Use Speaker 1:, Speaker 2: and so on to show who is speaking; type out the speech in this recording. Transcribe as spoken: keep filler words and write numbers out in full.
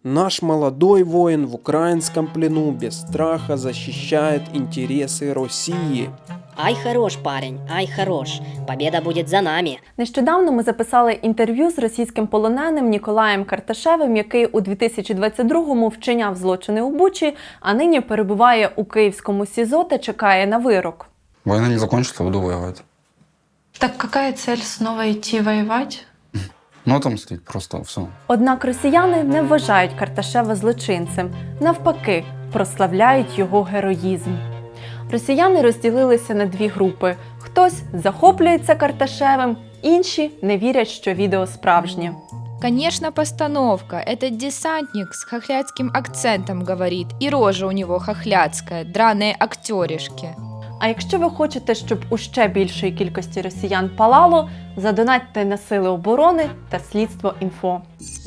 Speaker 1: Наш молодой воин в украинском плену без страха защищает интересы России.
Speaker 2: Ай, хорош, парень, ай, хорош. Победа будет за нами.
Speaker 3: Нещодавно ми записали інтерв'ю з російським полоненим Ніколаєм Карташевим, який у дві тисячі двадцять другому вчиняв злочини у Бучі, а нині перебуває у київському СІЗО та чекає на вирок.
Speaker 4: Война не закончится, буду воевать.
Speaker 5: Так какая цель снова идти воевать?
Speaker 4: Ну, отомстить просто, все.
Speaker 3: Однак росіяни не вважають Карташева злочинцем. Навпаки, прославляють його героїзм. Росіяни розділилися на дві групи. Хтось захоплюється Карташевим, інші не вірять, що відео справжнє.
Speaker 6: Конечно, постановка. Этот десантник с хохлядским акцентом говорит, и рожа у него хохлядская, драные актеришки.
Speaker 3: А якщо ви хочете, щоб у ще більшої кількості росіян палало, задонатьте на Сили оборони та Слідство.Інфо.